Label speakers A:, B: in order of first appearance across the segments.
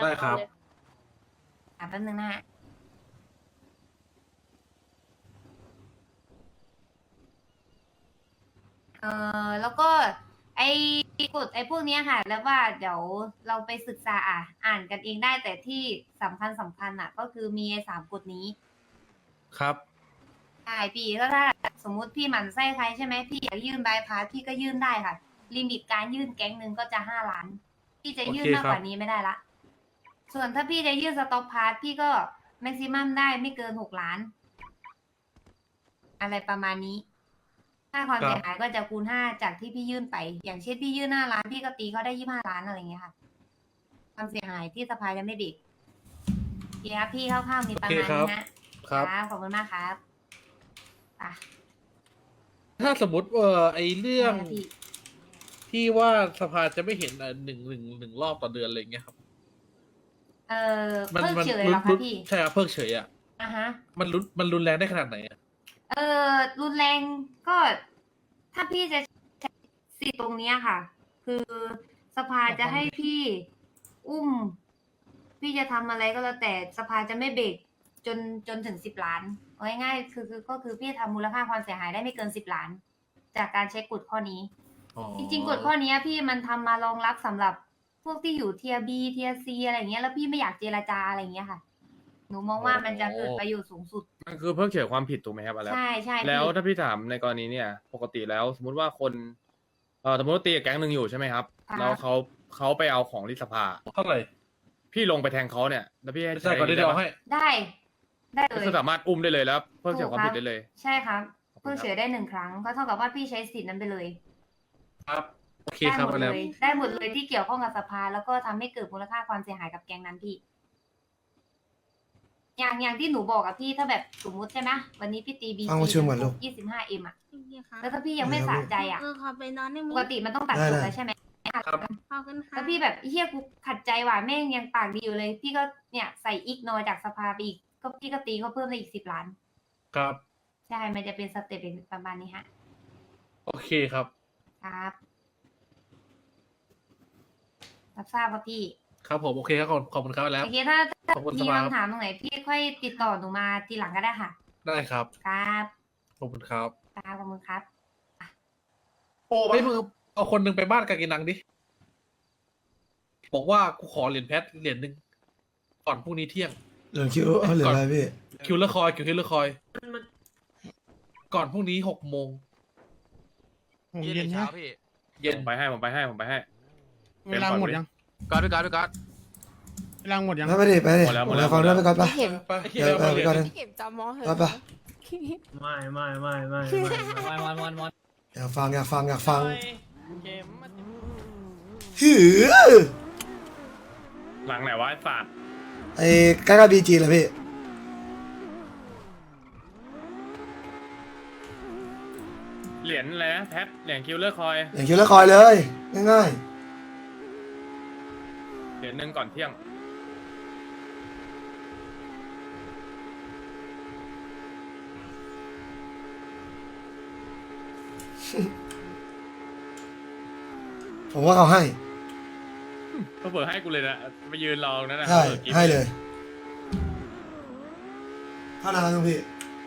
A: ได้ครับ
B: แป๊บนึงนะฮะแล้วก็ไอ้กฎไอ้พวกเนี้ยค่ะ แล้วว่าเดี๋ยวเราไปศึกษาอ่านกันเองได้แต่ที่สำคัญอ่ะ ก็คือมีไอ้3 กฎนี้
A: ครับ
B: ใช่พี่ก็ถ้าสมมุติพี่หมั่นไส้ใครใช่ไหมพี่อยากยื่นบายพาสพี่ก็ยื่นได้ค่ะลิมิตการยื่นแก๊งหนึ่งก็จะ5 ล้านพี่จะ
A: โอเค
B: ยื่นมาก
A: ครับ
B: กว่านี้ไม่ได้ละส่วนถ้าพี่จะยื่นสต็อกพาสพี่ก็แม็กซิมัมได้ไม่เกิน6 ล้านอะไรประมาณนี้ค่าความเสียหายก็จะคูณ5จากที่พี่ยื่นไป อย่างเช่นพี่ยื่น5 ล้านพี่ก็ตีเขาได้25 ล้านอะไรอย่างเงี้ยค่ะความเสียหายที่สภายังไม่เบรกโอเคครับพี่คร่าวๆมีประมาณนี้นะครับขอบคุณมากครับอ่ะ
A: ถ้าสมมติไอเรื่องที่ว่าสภาจะไม่เห็นหนึ่งรอบต่อเดือนอะไรเงี้ยครับ
B: เออ
A: มัน
B: เพิก
A: มัน
B: เฉยเหรอคะพี่
A: ใช่ครับเพิกเฉยอ่ะ
B: อ่ะฮะ
A: มันรุนแรงได้ขนาดไหนอ่ะ
B: เออรุนแรงก็ถ้าพี่จะใช้สิทธิ์ตรงเนี้ยค่ะ คือสภาจะให้พี่อุ้ม พี่จะทำอะไรก็แล้วแต่สภาจะไม่เบรกจนถึง10 ล้านเอาง่ายๆก็คือพี่ทำมูลค่าความเสียหายได้ไม่เกิน10 ล้านจากการใช้กฎข้อนี้ จริงๆกฎข้อนี้พี่มันทำมารองรับสำหรับพวกที่อยู่เทียบีเทียซีอะไรเงี้ยแล้วพี่ไม่อยากเจรจาอะไรเงี้ยค่ะ หนูมองว่ามันจะเกิดประโยชน์สูงสุด
C: มันคือเพิกเฉยความผิดถูกไหมครับอะไร
B: ใช่
C: แล้ว
B: พี่
C: ถ้าพี่ถามในกรณีเนี่ยปกติแล้วสมมุติว่าคนสมมติว่าตีกับแก๊งหนึ่งอยู่ใช่ไหมครับแล้วเขาไปเอาของที่สภา
A: เท่าไหร่
C: พี่ลงไปแทงเขาเนี่ยแล้วพี่ให้
A: ไม่ใช่ก่อนที่เดียวให้
B: ได้เลย
C: ก็สามารถอุ้มได้เลยแล้วเพิกเฉยความผิดได้เลย
B: ใช่ครับเพิ่งเฉยได้1 ครั้งก็เท่ากับว่าพี่ใช้สิทธิ์นั้นไปเลย
A: ครับโอเค
B: ได้
A: ครับ
B: หมด
A: แล้
B: เล
A: ว
B: ยได้หมดเลยที่เกี่ยวข้องกับสภาแล้วก็ทำให้เกิดมูลค่าความเสียหายกับแก๊งนั้นพี่ อย่างที่หนูบอกอะพี่ถ้าแบบสมมุติใช่ไหมวันนี้พี่ตีบี
D: ฟังประชุมก่อนลูก
B: 25Mอะ
E: โอเคค่ะ
B: แล้วถ้าพี่ยังไม่สะใจอะ
E: ขอไปนอนได้ไหม
B: ปกติมันต้องตัดจบแล้วใช่ไหม
A: ครับ
E: ขอบคุณค่ะ
B: แล้วพี่แบบเฮียกูขัดใจว่ะแม่งยังปากดีอยู่เลย พี่ก็เนี่ยใส่อีกนอยจากสภาไปอีกก็พี่ก็ตีเขาเพิ่มได้อีก10 ล้าน
A: ครับ
B: ใช่มันจะเป็นสเต็ปประมาณนี้ฮะ
A: โอเคครับ
B: ครับรับทราบครับพี่
A: ครับผมโอเคครับขอบคุณครับแล้ว
B: โอเคถ้า
A: ขอบคุณ
B: มี
A: สภา
B: คำถามตรงไหนพี่ค่อยติดต่อหนูมาทีหลังก็ได้ค่ะ
A: ได้ครับ
B: ครับ
A: ขอบคุณครับ
B: ครับขอบคุณครับ
A: โอ้ไม่มึงเอาคนหนึ่งไปบ้านกากินังดิบอกว่ากูขอเหรียญแพทเหรียญหนึ่งก่อนพรุ่งนี้เที่ยง
D: เหลือคิวเหลืออะไรพี่
A: คิวเลอร์คอยก่อนพรุ่งนี้6 โมง
F: เย็นเช้าพี่
A: เย็น
C: ผมไปให้ผมไปให้
G: เวลาหมดยัง
F: ก๊อตพี่ก๊อตพี่ก๊อต
G: เวลาหมดยัง
D: ไปดิไปดิ
C: หมดแล้ว
D: ฟังด้วยไปก่อนปะ
A: ไปไอ้เหี้
D: เดี๋
A: ย
D: ยว
A: เอา
D: ไป
A: เหรียญ
D: ก่อน
A: ห
D: นึ
A: นึ่
D: ง
A: ง
E: เข็มจำมอเห
D: ไป
E: อะ
D: ปะ
G: ไม่
D: อยากฟัง
G: เกมมัน
D: หือ
C: หลังไหนวะไอ้สัตว์
D: ไอ้ใกล้กับบีจีเลยพี่
C: เหรียญอะไรนะแพทเหรียญคิวเลอร์คอย
D: อย่างคิวแล้วคอยเลยง่าย
C: เหรียญหนึ่งก่อนเที่ยง
D: ๆผมว่าเขาให้
C: ก็เปิดให้กูเลยนะไปยืนรอนั่นนะ
D: ใช่
C: ปิดกิ๊บ
D: ให้เลยเท่านั้นครับพี่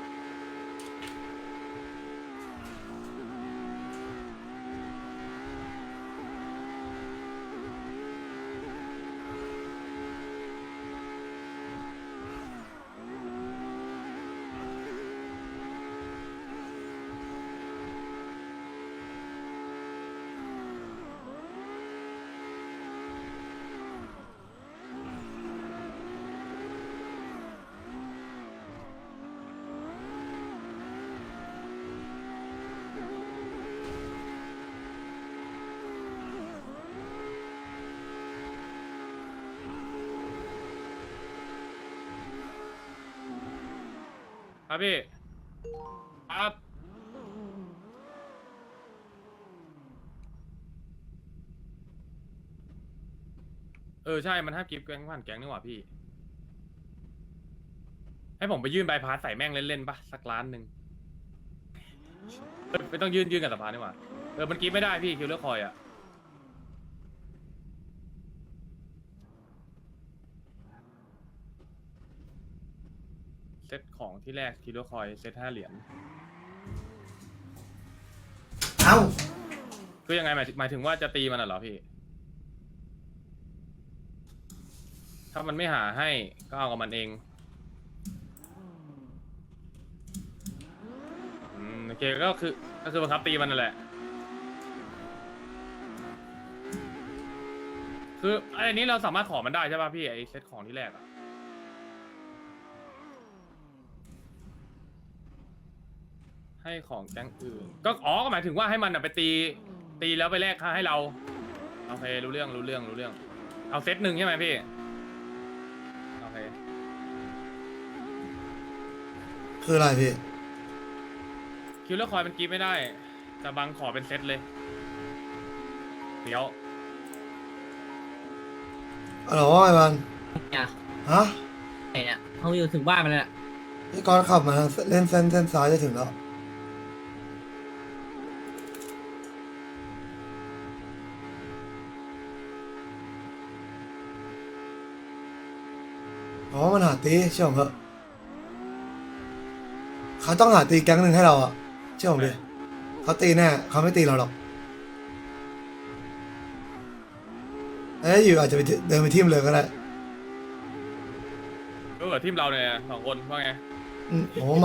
C: ครับพี่ครับใช่มันห้ามกิฟต์แก๊งผ่านแก๊งนี่หว่าพี่ ให้ผมไปยื่นใบพาสใส่แม่งเล่นๆปะสักล้านหนึ่งไม่ต้องยื่นกับสภานี่หว่ามันกิฟต์ไม่ได้พี่คิวเลอร์คอยอะเซตของที่แรกคิโลคอยเซต5 เหรียญ
D: เอ้า
C: คือยังไงหมายถึงว่าจะตีมันเหรอพี่ ถ้ามันไม่หาให้ก็เอากับมันเองโอเคก็คือบังคับตีมันนั่นแหละ คือไอ้นี้เราสามารถขอมันได้ใช่ป่ะพี่ไอ้เซตของที่แรกอะให้ของแก๊งอื่นก็ก็หมายถึงว่าให้มันไปตีแล้วไปแลกค่าให้เราโอเครู้เรื่องเอาเซตหนึ่งใช่ไหมพี่โอเค
D: คืออะไรพี่
C: คิวเลอร์คอยมันกีบไม่ได้แต่บังขอเป็นเซตเลยเดี๋ยว
D: อะไรวะไอ้มัน
E: เนี่ย
D: ฮะ
E: ไหนเนี่ยเขาอยู่ถึงบ้านมันแล้ว
D: พี่กอนขับมาเล่นเส้นซ้ายจะถึงแล้วอ๋อมันหาตีเชื่อผมเถอะเขาต้องหาตีแก๊งหนึ่งให้เราอะเชื่อผมดิเขาตีแน่เขาไม่ตีเราหรอกเอ้ยอยู่อาจจะไปเดินไปทิ่มเลยก็ได้
C: ก็เหลือทีมเราเนี่ย2 คนว่าไง
D: โอ้ไม่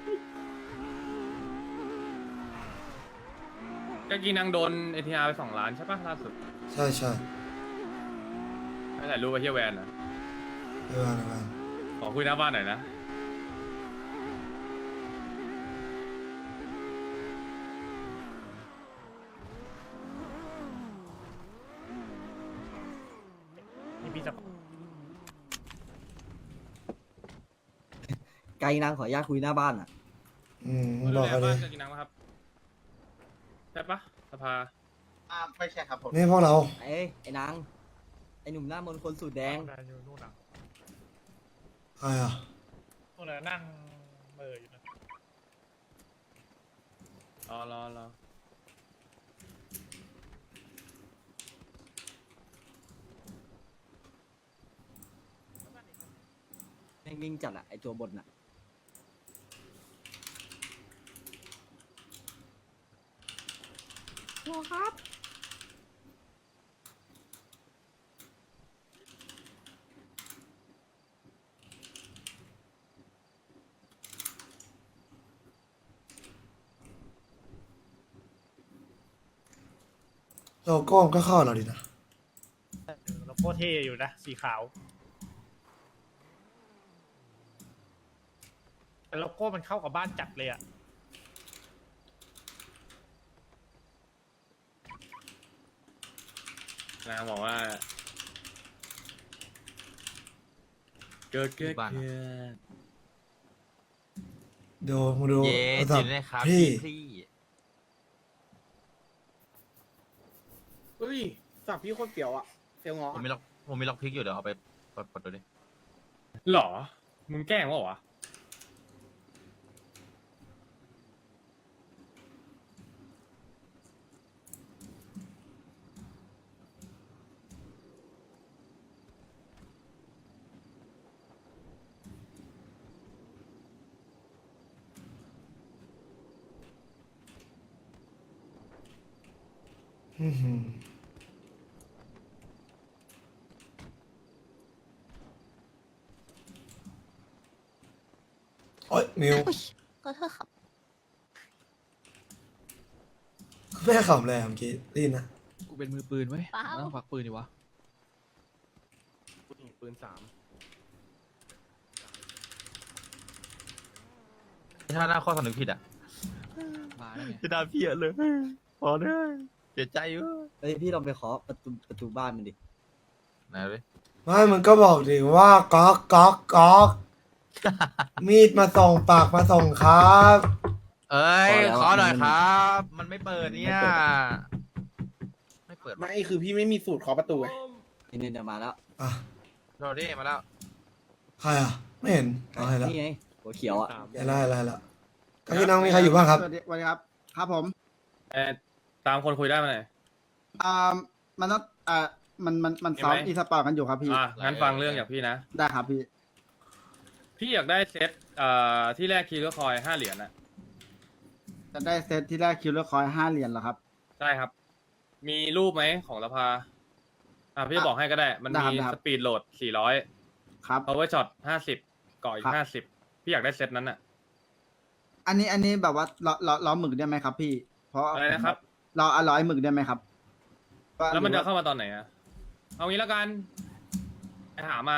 C: ก็กีนังโดน ATR ไป2 ล้านใช่ปะล่าสุด
D: ใช่ใช่
C: ให้ถ่ายรูปไปเที่ยวแวนนะ
D: เออ
C: ขอคุยหน้าบ้านหน่อยนะ
G: นี่พี่จะ
E: ไกลนางขออนุญาตคุยหน้าบ้านอ่ะ
D: บอกเขา
C: บ้า
D: ดิ
C: นจะกีนังไหมครับใช่ปะสภา
H: ไม่ใช่ครับผม
D: นี่พวกเรา
E: ไอ้นางไอ้หนุ่มหน้ามนต์คนสูตรแดง
G: อยู่นู่นน่ะ
D: ใครอ่ะ
G: นู่นน่ะนั่งเมออยู่นะ
C: รอ
E: นิ่งๆจัดอ่ะไอ้ตัวบนอ่ะ
D: โลโก้มันก็เข้าเราดีนะ
G: โลโก้เท่อยู่นะ สีขาวแต่โลโก้มันเข้ากับบ้านจัดเลยอ่ะ
C: นางบอกว่าเกิด
F: บ้านอะ
D: ดูมาดู
F: เย้
D: โทรศัพ
F: จิ
D: ท์
F: นได้ครับ
D: พี่
F: พี่
H: เฮ้ยสับพี่โคตรเปียวอ่ะเฟียวงอ
F: ผมมีล็อกพิกอยู่เดี๋ยวเอาไปปลดดูดิ
C: หรอ มึงแกล้งวะ
D: อื้อหือโอ๊ยมิว
I: ขอโทษครับ
D: แม่ขำเลยอะเมื่อกี้ได้ยินนะ
J: กูเป็นมือปืนเว้ย
I: เปล่า
J: ต้องพักปืนดีวะ
C: ปืน 3
F: ถ้าหน้าข้อสำนึกผิดอ่ะ
J: มาแล้วไง
F: จะด่าพี่อะเลยพอได้เสียใจเว้ย
E: เฮ้ยพี่ลองไปขอประตูบ้านมันดิ
F: ไหนเลย
D: ไม่มันก็บอกดิว่าก๊อกก๊อกก๊อกมีดมาส่งปากมาส่งครับ
F: เอ้ย
E: พอแล้ว
F: ขอหน่อยครับ มันไม่เปิดเนี่ยไม่เปิด
H: ไม่คือพี่ไม่มีสูตรเคาะประตูไง
E: นี่เดี๋ยวมาแล้ว
D: อ่ะ
F: โรดี้มาแล้ว
D: ใครอ่ะ ไม่เห็นเอาเห็นแล้ว
E: นี่ไงหัวเขียวอ่ะ
D: เห็นแล้วก็พี่น้องมีใครอยู่บ้างครับ
H: สวัสดีครับ ครับผม
C: ตามคนคุยได้ไหมไหน
H: มันต้องมันซ้อม
C: เห็นไหม
H: อีสปอร์ตกันอยู่ครับพี่
C: งั้นฟังเรื่องจากพี่นะ
H: ได้ครับพี่
C: พี่อยากได้เซตที่แรกคีย์ก็คอย5 เหรียญอะ
E: จะได้เซตที่แรกคิวเลอร์คอย5 เหรียญเหรอครับ
C: ใช่ครับ มีรูปไหมของสภาพี่จะบอกให้ก็ได้ มันมี
E: ได้ครับ
C: สปีดโหลด400
E: ครับ
C: power shot 50ก่ออี
E: ครั
C: ก
E: บ
C: 50พี่อยากได้เซตนั้นอะ
E: อันนี้แบบว่าล้อหมึกได้ไหมครับพี่ เพราะ
C: อะไรนะครับ
E: เรา100 หมึกได้ไหมครับ
C: แล้วมันจะ
E: หรือ
C: เข้ามาตอนไหนอะเอางี้แล้วกันไปหามา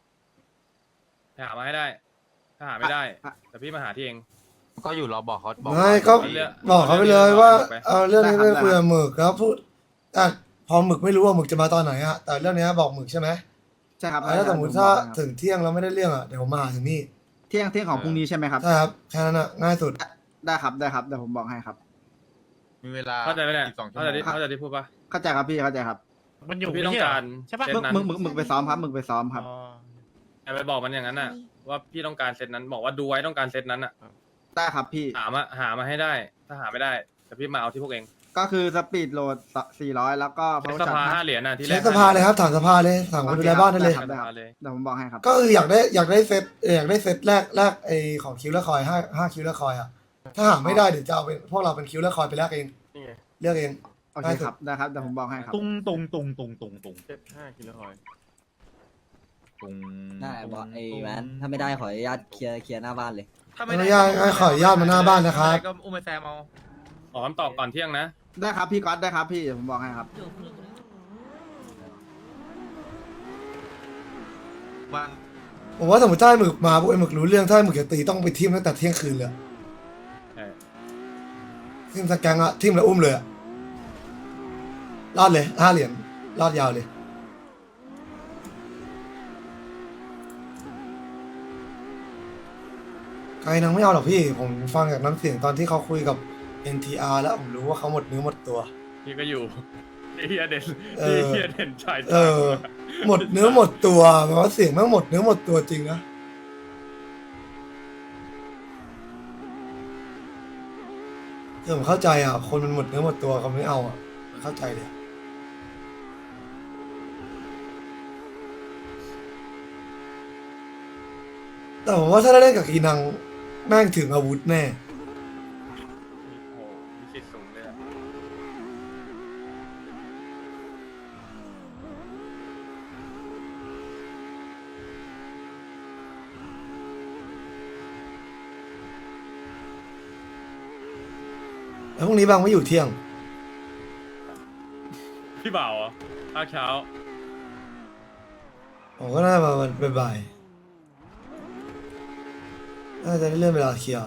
C: ให้ได้ ถ้าหาไม่ได้แต่พี่มาหาที่เอง
F: ก็อยู่รอบอกเขาบอก
D: ไม่ก็
C: เรื่อง
D: บอกเขาไปเลยว่า
C: ไป
D: เอาเรื่องนี้ไปคุยกับหมึกแล้วพูดอ่ะพอหมึกไม่รู้ว่าหมึกจะมาตอนไหนอะแต่เรื่องนี้บอกหมึกใช่ไหม
E: ใช่ครับ
D: แล้วสมมติถ้าถึงเที่ยงแล้วไม่ได้เรื่องอะเดี๋ยวผมมาหาถึงนี่
E: เที่ยงของพรุ่งนี้ใช่ไหมครับ
D: ใช่ครับแค่นั้นอะง่ายสุด
E: ได้ครับเดี๋ยวผมบอกให้ครับ
F: มีเวลา
C: เข้าใจไหมเนี่ย
F: อีก2 ชั่ว
C: เข้าใจ
F: โมง
C: ที่เข้าใจที่พูดปะ
E: เข้าใจครับพี่เข้าใจครับ
G: มันอยู่
C: พี่ต้อง
G: ไม่ใช่เห
C: การ
G: ใช่ปะ
C: เซตนั้น
E: หมึกไปซ้อมครับหมึกไปซ้อมครับ
G: อ๋อ
C: ไปบอกมันอย่างนั้นน่ะ ว่าพี่ต้องการเซตนั้นบอกว่าดูไว้ต้องการเซตนั้นน่ะ
E: ได้ครับพี่
C: หามาให้ได้ ถ้าหาไม่ได้แต่พี่มาเอาที่พวกเอง
E: ก็คือสปีดโหลด400แล้วก็
C: เช็ค
E: power
C: สภา
E: shot
C: 5 เหรียญน่ะที่แร
D: เช็
C: ก
D: คสภาเลยครับถามสภาเลยถามคนดูแลบ้านได้เลย
E: ครับ
C: สภาเลย
E: เดี๋ยวผมบอกให้ครับ
D: ก็คืออยากได้เซตอยากได้เซตแรกไอของคิวเลอร์คอยห้าคิวเลอร์คอยอะถ้าหาไม่ได้เดี๋ยวจะเอาเป็นพวกเราเป็นคิวเลอร์คอยไปแลกเองเลือกเอง
E: โอเคครับได้ครับเดี๋ยวผมบอกให้ครับ
G: ตุง
F: 5 กิโลคอยตุง
J: ได้บอกไอ้แวนถ้าไม่ได้ขออนุญาตเคลียร์หน้าบ้านเลย
F: ถ้า
D: ขออนุญาตขออนุญาตมาหน้าบ้านนะครับ
F: ก็อุ้มไปแซมเอา
C: ขอคำตอบก่อนเที่ยงนะ
E: ได้ครับพี่ก๊อตได้ครับพี่เดี๋ยวผมบอกให้ครับ
F: วาง
D: ผมว่าสมมติถ้าไอ้หมึกมาพวกไอ้หมึกรู้เรื่องถ้าไอ้หมึกจะตีต้องไปทิมตั้งแต่เที่ยงคืนเลยอะ
C: ใช่
D: ทิมสแกงอะทิมแล้วอุ้มเลยอะรอดเลย5 เหรียญรอดยาวเลยไกลนังไม่เอาหรอกพี่ ผมฟังจากน้ำเสียงตอนที่เขาคุยกับ NTR แล้วผมรู้ว่าเขาหมดเนื้อหมดตัว
C: พี่ก็อยู่พี่เฮียเด่น
D: เออ
C: พี่เฮียเด่นชาย
D: เออ หมดเนื้อหมดตัวแปลว่าเสียงแม่งหมดเนื้อหมดตัวจริงนะคือผมเข้าใจอ่ะ คนมันหมดเนื้อหมดตัวเขาไม่เอาอ่ะเข้าใจเลยแต่ผมว่าถ้าได้เล่นกับกีนังแม่งถึงอาวุธแน่
C: โอ้โหมีสิทธิ์สูงเลยอะ
D: แล้วพรุ่งนี้บางไม่อยู่เที่ยง
C: พี่บ่าวเหรอภาคเช้า
D: ผมก็น่ามาวันบ่ายๆน่าจะได้เลื่อนเวลาเคลียร์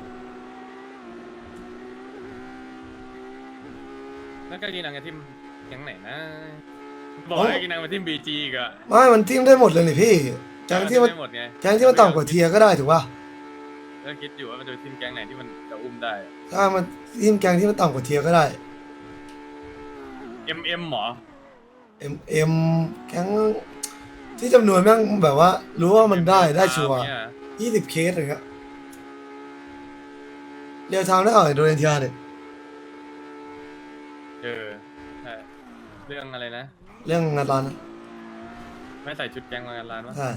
C: แล้วก็กินนังกับทีมแก๊งไหนนะ บอกให้กินนังมาทีมบีจีอีกอะ
D: ไม่มันทิมได้หมดเลยนี่พี่แก๊งที่มัน
C: ไม่หมดไง
D: แก๊งที่มันต่ำกว่าเทียร์ก็ได้ถูกป่ะ
C: ก็คิดอยู่ว่ามันจะเป็นทีมแก๊งไหนที่มันจะอุ้มได้
D: ถ้ามันทีมแก๊งที่มันต่ำกว่าเทียร์ก็ได้
C: MM หมอ
D: M แก๊งที่จำนวนแม่งแบบว่า รู้ว่ามันได้ชัวร์
C: เนี่ย
D: 20 เคสอะไรเงี้ยเรียวทางได้อ่อยโดนเทียร์เนี่ย
C: เออใช่เรื่องอะไรนะ
D: เรื่องงานร้านนะ
C: ไม่ใส่ชุดแก๊งมางานร้านวะ
D: ใช่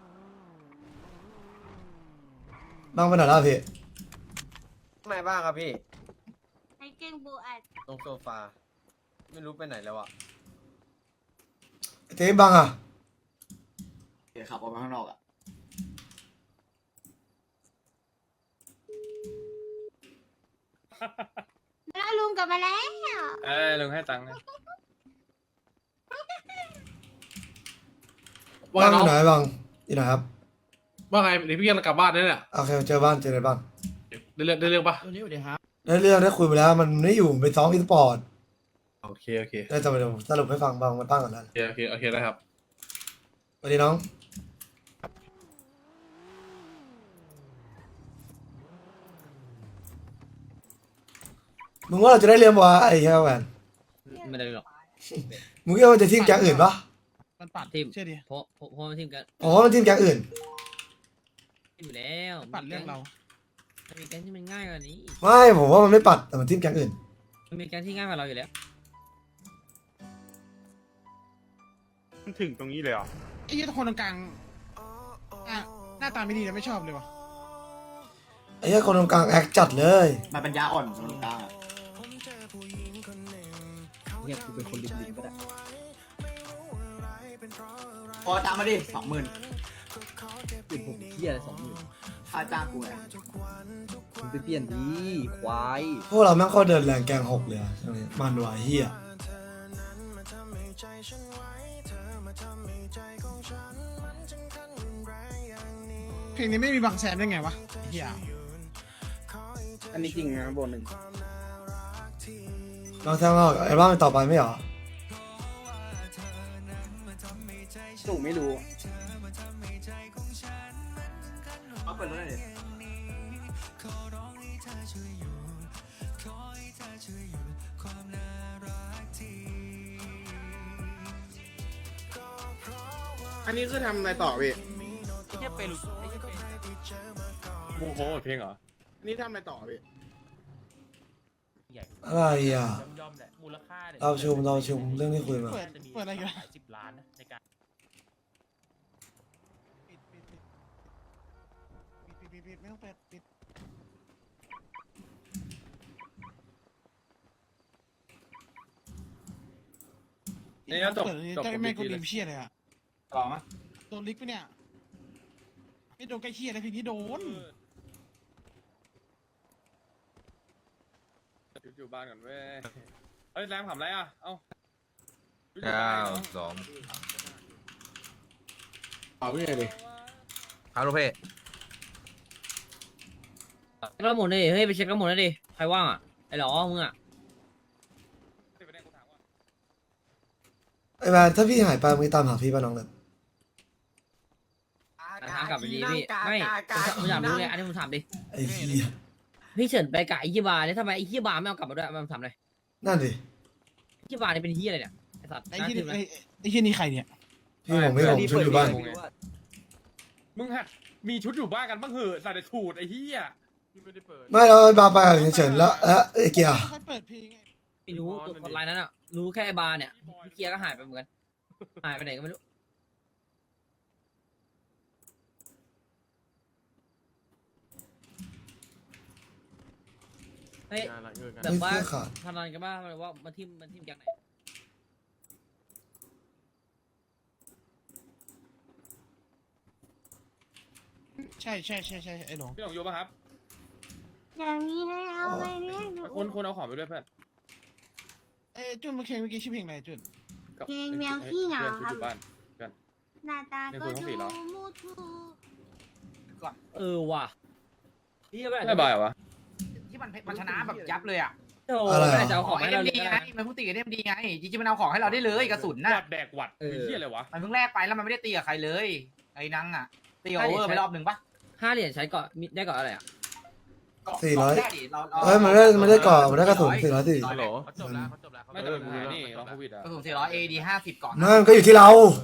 D: บ้างไปไหนแล้วพี่
H: ข้างในบ้างครับพี่
B: ไอ้เก่งบูอัด
H: ตรงโซฟา ไม่รู้ไปไหนแล้วอะ
D: เจ๊บ้างอ่ะ
J: ขับออกมาข้างนอกอ่ะ
B: แล้วลุงกลับมาแล้ว
C: ลุงให้ตังค์นะ
A: ว่า
D: บ้าง
A: ไง
D: อยู่ไหน
A: น้อง
D: บ้างอยู่ไหนครับ
A: ว่าไงเดี๋ยวพี่กำลังกลับบ้านนี่แหละ
D: โอเคเจอบ้านเจอในบ้าน
A: ได้เรื่องปะ
E: ตัวนี้สวัสดีครับ
D: ได้เรื่องได้คุยไปแล้วมันไม่อยู่ไปซ้อมอีสปอร์ต
A: โอเค
D: ได้จะไปสรุปให้ฟังบ้างมันตั้งกันแล้ว
A: โอเคได้ครับ
D: สวัสดีน้องมึงว่าเราจะได้เรียนวะไอ้แค่แหวน
J: ไม่ได้หรอก
D: มึงคิดว่ามันจะทีมแก๊งอื่นปะ
E: มันปัด
J: ทีม
E: เชื่อดิ
J: เพราะมันทีมกัน
D: อ๋อมันทีมแก๊งอื่น
J: อยู่แล้ว
E: ปัดเรื่องเรา
J: มันมีแก๊งที่มันง่ายกว่านี้
D: ไม่ผมว่ามันไม่ปัดแต่มันทีมแก๊งอื่น
J: มันมีแก๊งที่ง่ายกว่าเราอยู่แล้ว
G: ถึงตรงนี้เลยเหรอ
E: ไอ้ยี่คนตรงกลาง
H: หน้าตาไม่ดีนะไม่ชอบเลยวะ
D: ไอ้เหี้ยคนตรงกลางแอคจัดเลย
E: มันปัญญาอ่อนคนกลาง
J: เนี่ยกูเป็นคนริมๆก็ได้
E: พอจ้างมาดิ20,000
J: เป็นผมเที่ยอะไร20,000
E: ค่าจ้างกูไง
J: มึงไปเปลี่ยนดีควาย
D: พวกเราแม่งเข้าเดินแรงแกงหกเลยอะช่วงนี้มันไหวเฮีย
H: เพลงนี้ไม่มีบางแสนได้ไงวะเฮีย
F: อันนี้จริงนะโบนหนึ่ง
D: เราแทงเราไอ้บ้านต่อไปไม่เหรอ
F: ตู่ไม่รู้
E: เอาเปิดรถหน่อยดิ
H: อันนี้คือทำอะไรต่อพี่
C: โอ้โหเพลงเหรอ
H: นี่ทำอะไรต่อพี่
D: อะไรอ่ะ
G: ยอมแหละมูลค่าเนี่ย
D: เราชุมเรื่องที่คุยมา
H: เปิดอะไรกัน
G: หลาย10 ล้านนะในการ
H: ปิดไม่ต้องเปิดปิด
C: นี่ก็จบ
H: เปิด
C: จบ
H: เจ้า
C: กับ
H: แม่
C: พี่
H: กู
C: เล
H: ดี
C: ย
H: มเชี่ยเลยอะ
E: ต่อมั้ย
H: โดนลิกปะเนี่ยไม่โดนใกล้เชี่ยนะพี่นี่โดน
C: อยู่บ้านก่อนเว้ยเฮ้ยแรมทำอะไรอ่ะเอ้า
F: 9 2
H: เอาพี่เลย
F: ครับลูกเพ่
J: เช็คระหมุนดิเฮ้ยไปเช็คระหมุนดิใครว่างอ่ะไอ้หรอมึงอ่ะ
D: ไอ้แมนถ้าพี่หายไปมึงตามหาพี่ป่ะน้องเล็บ
J: ทางกลับไปดีพี่ไม่ผมถามรู้เลยอันนี้ผมถามดิ
D: ไอ้เหี้ย
J: พี่เฉินไปกับไอ้ยี่บาเนี่ยทำไมไอ้ยี่บาไม่เอากลับมาด้วยมันทำอะไร
D: นั่นดิ
J: ยี่บาเนี่ยเป็นเฮียอะไรเนี่ยไอ้สัตว์
H: ไอ้ที่ไอ้ที่นี่ใครเนี่ย
D: พี่ผมชุดอยู่บ้าน
C: มึงหัดมีชุดอยู่บ้านกันบ้างเหอะใส่แต่สูทไอ้เหี้ย
D: ไม่เราบาไปเฉยๆแล้วไอ้เกียร์
H: ค่อยเปิดเพลงไง
J: ไม่รู้กดไลน์นั้นอ่ะรู้แค่ไอ้บาเนี่ยพี่เกียร์ก็หายไปเหมือนกันหายไปไหนก็ไม่รู้เฮ้ยแบบว่า
D: เสื้อขาด
J: พนันกันบ้างว่ามันทิมจากไหน
H: ใช่ไอ้หลง
C: พี่หลงอยู่ป่ะครับ
B: อย่างนี้ได้เอาไปเรียกหนู
C: คุณเอาของไปด้วยเพื่อน
H: จุนเมื่อกี้ชื่อเพลงอะไรจุน
B: เพลงแมวขี้เหงา
C: ชุด
B: ค
C: อ
B: รับ
C: ยู่บ้าน
B: หน้าตาก็ดูมูทู
J: ว่ะพี่ก็ไม่
C: ไม่บายเหรอวะ
F: ที่มันชนะแบบยับเลยอ่ะ
J: โอ้ไม่ได้จะเอาของให้เราเลย
F: ไงมันพูดตีกับดีไงจริงๆมันเอาของให้เราได้เลยกระสุนน่ะ
C: หวัดแดกหวัดไอ้เหี้ยอะไรวะ
F: มันเพิ่งแลกไปแล้วมันไม่ได้ตีกับใครเลยไอ้นังอ่ะตีกับโอเวอร์ไปรอบหนึ่งปะ
J: 5 เหรียญใช้เกาะได้เกาะอะไรอ่ะ
D: 400
F: ได้ดิเรา
D: เอ้ยมันได้ก่อนมันได้กระสุน440
C: ฮัลโหล
F: เขาจบแล้ว
C: ไม่แต่ปัญหานี่ลองโควิดอ่ะ
F: กระสุน400 AD 50ก่อน
D: นั่นก็อยู่ที่เรา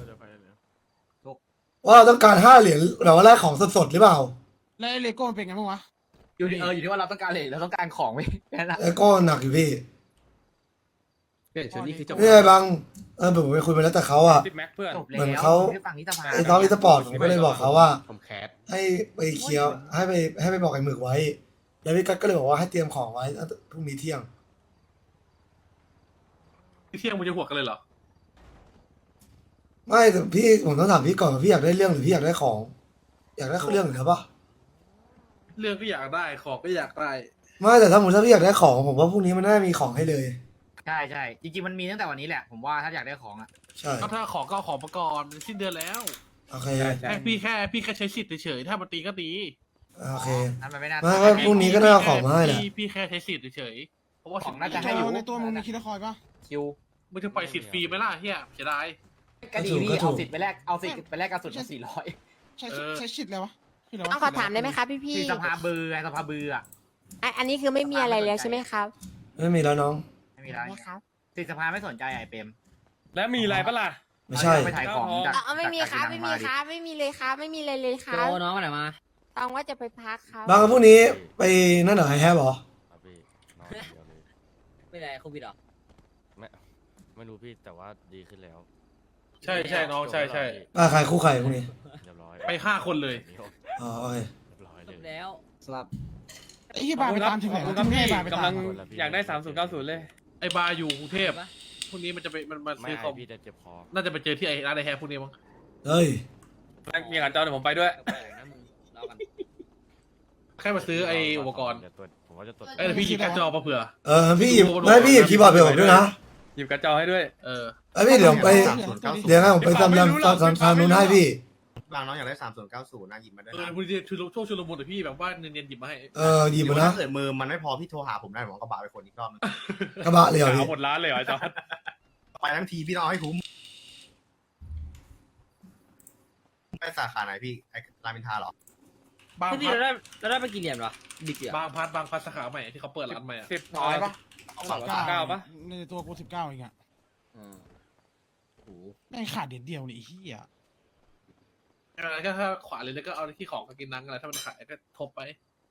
D: ว่าเราต้องการ5 เหรียญแบบว่าแลกของสดๆหรือเปล่า
H: แล้วไอ้เลโก้มันเป็นไงบ้างวะ
F: อยู่ที่ว่าเราต้องการอะไรเราต้องการของไหมแค่นั้น
D: ไอ้ก็หนักอยู่พี่
J: เปลี่ยนชุดนี่คือจบ
D: นี่ไงบางผมไปคุยมาแล้วแต่เขาอ่ะ
C: ติดแม็กเพื่อน
F: จบแล้ว
D: เหมือนเขา
F: ที่ฝั่งนี้สภา
D: ไอ้น้องอีสปอร์ตผมก็เลยบอกเขาว่า
C: ผมแคส
D: ให้ไปเคลียร์ให้ไปบอกไอ้หมึกไว้ แล้วพี่กั๊กก็เลยบอกว่าให้เตรียมของไว้พรุ่งนี้เที่ยง
A: เที่ยงมึงจะหัวกันเลยเหรอ
D: ไม่แต่พี่ผมต้องถามพี่ก่อนว่าพี่อยากได้เรื่องหรือพี่อยากได้ของ อยากได้เรื่องหรือเปล่า
A: เรื่องก็อยากได้ของก็อยากได้
D: ไม่แต่ถ้าพี่อยากได้ของผมว่าพรุ่งนี้มันน่ามีของให้เลย
F: ใช่จริงๆมันมีตั้งแต่วันนี้แหละผมว่าถ้าอยากได้ของอ่ะ
D: ใช่
A: ก็ถ้าของก็เอาของมาก่อนมันสิ้นเดือนแล้ว
D: โอเค
A: พี่แค่ใช้สิทธิ์เฉยๆถ้ามันตีก็ตี
D: โอเค
F: นั่นมันไม่น่า
D: ไม่พรุ่งนี้ก็น่าเอาของมาให้แหละ
A: พี่แค่ใช้สิทธิ์เฉยๆเพราะว่า
F: ของน่าจะให้อยู่
H: ในตัวมึงมีคิดละคอยปะ
F: คิว
A: มึงจะปล่อยสิทธิ์ฟรีไหมล่ะเฮียเสียดาย
F: ก็ดีพี่เอาสิทธิ์ไปแลกเอาสิทธิ์ไปแลกกระสุนมา400
H: ใช้ชิดเลยวะคืออะไรวะ
I: ต้องขอถามได้ไหมครับพี่
F: ที่สภาเบือไงสภาเบืออ่ะ
I: อันนี้คือไม่มีอะไรแล้วใช่ไหมครับ
D: ไม่มีแล้วน้อง
F: ไม่มีอะไร
I: นะครับ
F: สิทธิ์สภาไม่สนใจไอ้เปรม
C: แล้วมีอะไรปะล่ะ
D: ไม่ใช่
F: ไปถ่ายของจาก
I: ไม่มีครับไม่มีครับไม่มีเลยครับไม่มีเลยเลยค
J: โจ
I: รับ
J: น้องมาไหนมา
I: ต้องว่าจะไปพักครับ
D: บางพรุ่งนี้ไปนั่นเหรอไอแฮบเหรอ
K: ครับพี่นอนอย่างเดียวเลย
J: ไม่ได้โควิดหรอ
K: ไม่รู้พี่แต่ว่าดีขึ้นแล้ว
A: ใช่น้องใช่
D: ใครคู่ใครพรุ่งนี้
K: เรียบร้อย
A: ไป5 คนเลย
D: อ๋อโอเค
K: เรียบร้อย
J: จ
K: เลย
J: บแล้ว
E: สลับ
H: ไอ้ที่บาร์ไปตามถึงไหน
C: ขอบ
H: วะ
C: คุณครับ
H: ที่
C: พี่
H: บาร์ไปตาม
C: กำลัง
K: คนละพี่
C: อยากได้3090เลย
A: ไอ้บาร์อยู่กรุงเทพพรุ่งนี้มันจะไปมันมา
K: ไม่
A: ซื้อค
K: ไอ
A: อม
K: พี่จะเจ็บคอ
A: น่าจะไปเจอที่ไอ้ร้านไอแฮร์พรุ่งนี้มั้ง
D: เฮ้ย
C: มีกับจอเดี๋ยวผมไปด้วย
J: แปลกๆนะมึงรอกัน
A: แค่มาซื้อไอ้อุปกรณ์
K: จะตรวจผมว่าจะตรวจ
A: เอ้ยเดี๋ยวพี่หยิบการ์ดจอมาเผื่อ
D: พี่หยิบไม่พี่หยิบคีย์บอร์ดไปผมด้วยนะ
C: หยิบกระจอให้ด้วย
A: เออ
D: ไอ้พี่เดี๋ยวไปเดี๋ยวให้ผมไปทำทำนู้นให้พี่
H: บางน้องอยากได้3090นะหยิบมาได้
A: เออพอดีช่วงชุลมุนแต่พี่แบบว่าเนียนๆหยิบมาให้
D: หยิบมานะ
H: ถ้าเกิดมือมันไม่พอพี่โทรหาผมได้ผมกระบะไปคนอีกรอบนึง
D: กระบะเลยเหรอพี่
C: หมดร้านเลยเหรอจอ
H: ไปทั้งทีพี่ต้องเอาให้คุ้มไปสาขาไหนพี่ไอ้รามอินทราเหรอ
A: บาง
J: พี่
A: พัด
J: เราได้ไปกี่เหรียญวะบิกเหรอบ
A: างพัดสาขาใหม่ที่เขาเปิดร้านใหม่อะ
C: 10ร้อยปะ9ปะ
H: ในตัวกู19เองอะ
J: อืมโอ้โห
H: แม่งขาดเดียวนี่ไอ้เหี้ย
A: อะไรก็ถ้าขวาเลยแล้วก็เอาที่ของกับกินนังอะไรถ้ามันขายก็ทบไป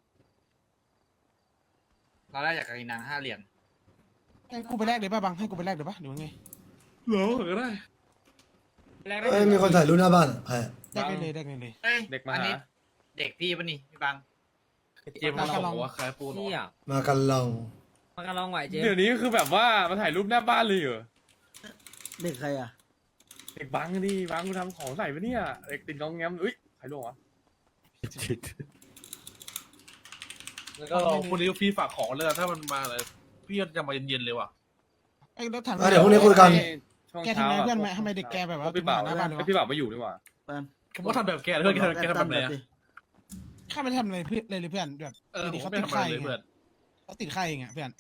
F: เราได้จากกินนัง5 เหรียญ
H: ให้กูไปแลกเลยป่ะบังให้กูไปแลกเลยป่ะหรือว่าไง
A: เหรอก็ได้
C: แรก
D: เอ้ยมีคนถ่ายรูปหน้าบ้านอ่ะใคร
H: แลกได้เลยแลกได้เลย
C: เด็กมา
F: อัน
C: หา
F: นี้เด็กพี่ปะนี่พี่บัง
A: เจมส์มาบอกว่าขายปูน
J: นี่อ่ะ
D: มากันลอง
J: มากันลองไหวเจ๊
C: เดี๋ยวนี้คือแบบว่ามาถ่ายรูปหน้าบ้านเลยเหรอ
E: เด็กใครอ่ะ
C: เด็กบังดิบังกูทำของใส่ปะเนี่ยเด็กติดงองแงมอุ้ยใครลงวะ
A: แล้วก็ลองพรุ่งนี้พี่ฝากของเลยถ้ามันมาเลยพี่จะมาเย็นๆเลยว่ะ
H: ไอ้รถถัง
D: เดี๋ยวพรุ่งนี้คุยกัน
C: ช่วง
H: แกทำ
C: เช้า
H: ไง
C: อะ
H: เพื่อนไหมทำไมเด็กแกแบบว่า
C: พี่บ่าว
H: หน้าบ้านเลยวะ
C: พี่บ่าวไม่อยู่ดีกว่า
E: เปิ้ล
A: ผมว่าทำแบบแกเพื่อนแกทำแบบไหนอะ
H: ข้าไม่ได้ทำอะไรเพื่อนเลยเพื่อนแบบ
A: เออผม
H: เขา
A: ไม่
H: ติด
A: ทำอะไร
H: ไข่
A: เลยเพื่อน
H: เขาติดไข่เองอะเพื่อน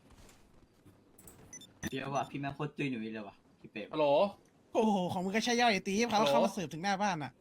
J: เดี๋ยวว่ะพี่แม่โคตรจุยหนุ่ยเลยว่ะพี่เป๊ะ
A: ฮัลโหล
H: โอ้โหของมึงก็ใช่ย่อยไอ้ตีเขามาเสิร์ฟถึงหน้าบ้านอะ